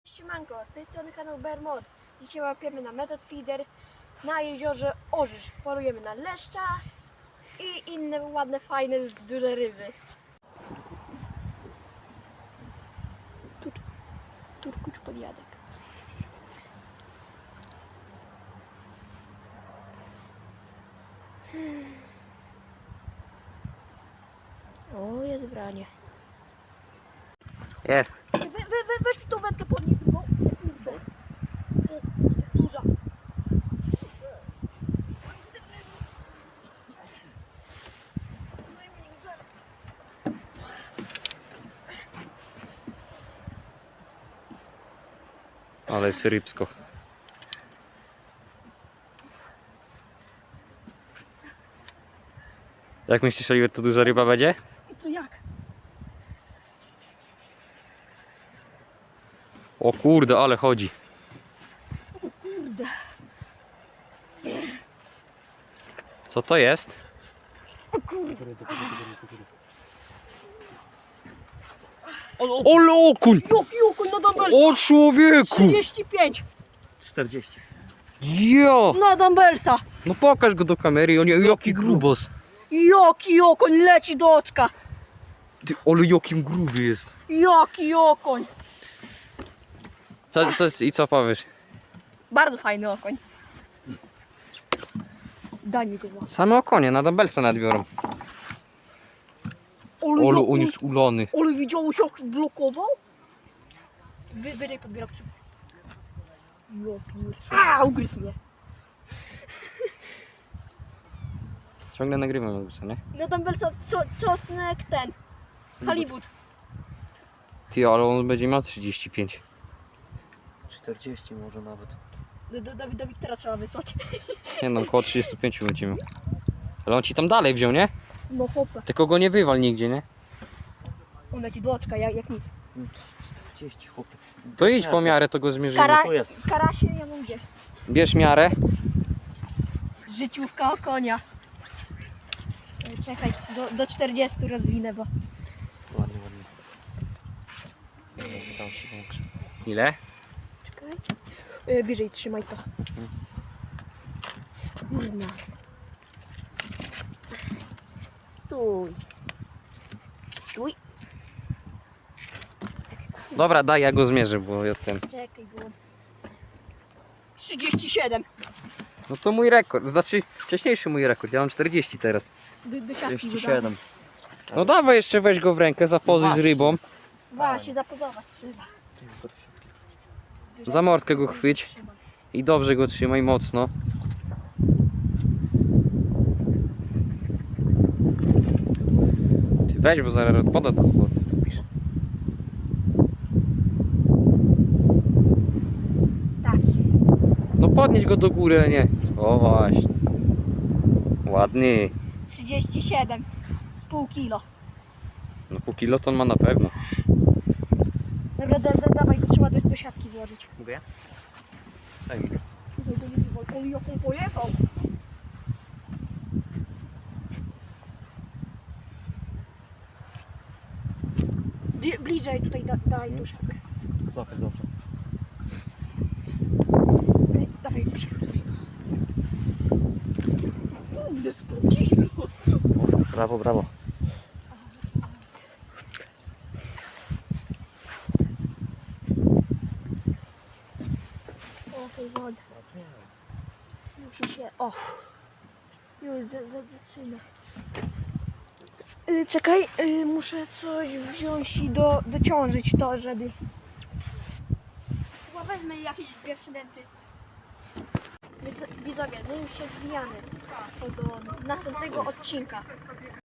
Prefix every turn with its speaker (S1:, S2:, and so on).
S1: Siemanko, z tej strony kanał Bermod. Dzisiaj łapiemy na Method Feeder na jeziorze Orzysz. Polujemy na leszcza i inne ładne, fajne, duże ryby. Turkuć podjadek. O, jest branie.
S2: Jest.
S1: Weź mi tą wędkę podnieś, bo kurde. Duża.
S2: Ale jest rybsko. Jak myślisz, Oliver, to duża ryba będzie?
S1: I to jak?
S2: O kurde, ale chodzi.
S1: Kurde.
S2: Co to jest?
S1: O kurde.
S2: Ole okuń!
S1: Jaki okon na dumbbell?
S2: O człowieku!
S1: 35
S3: 40.
S2: Jo!
S1: na dumbbellsa.
S2: No pokaż go do kamery, on jaki grubos.
S1: Jaki okoń leci do oczka.
S2: Ty, ale jakim gruby jest.
S1: Jaki okoń.
S2: I co powiesz?
S1: Bardzo fajny okoń. Daj mi go.
S2: Same okonie na dumbbellsa nadbiorą. Olu, on jest ulony.
S1: Ale widziałeś jak blokował? Wyżej podbierak trzy. A, ugryzł mnie.
S2: Ciągle nagrywam jakby co, nie?
S1: No dumbbellsa czosnek ten. Hollywood.
S2: Ty, ale on będzie miał 35.
S3: 40 może nawet.
S1: Do Wiktora trzeba wysłać.
S2: Nie no, około 35 będzie miał. Ale on ci tam dalej wziął, nie?
S1: No chłopie.
S2: Tylko go nie wywal nigdzie, nie?
S1: On leci do oczka jak nic.
S3: No to jest 40 chłopie.
S2: To idź po miarę, to go zmierzymy.
S3: Tu jest.
S1: Karasie ja mam gdzie?
S2: Bierz miarę.
S1: Życiówka o konia. Czekaj, do 40 rozwinę, bo...
S3: Ładnie, ładnie. Dał się większy.
S2: Ile?
S1: Czekaj. Wyżej trzymaj to. Kurna. Stój. Stój.
S2: Dobra, daj, ja go zmierzę, bo ja ten...
S1: Czekaj, było. 37.
S2: No to mój rekord, znaczy wcześniejszy mój rekord, ja mam 40 teraz.
S1: Do siatki
S3: 37.
S2: No dawaj jeszcze, weź go w rękę, zapozuj z rybą.
S1: Właśnie, zapozować trzeba.
S2: Za mordkę go chwyć
S1: Trzymaj.
S2: i dobrze go trzymaj, mocno. Ty weź, bo zaraz odpada to pisz.
S1: Taki.
S2: No podnieś go do góry, a nie. O właśnie. Ładny.
S1: 37 z pół kilo.
S2: No pół kiloton ma na pewno.
S1: Dobra, dawaj, go trzeba do siatki włożyć.
S3: Mogę? Daj mi.
S1: On jaką pojechał. Bliżej tutaj daj do siatkę.
S3: Złapę dobrze.
S1: Dawaj, przerzucaj. Kurde, z pół kilo.
S3: Brawo, brawo.
S1: O, tej wody. Musi się... O! Już zaczyna. Czekaj, muszę coś wziąć i dociążyć to, żeby... Chyba wezmę jakieś dwie przynęty. Widzowie, my już się zwijamy do następnego odcinka.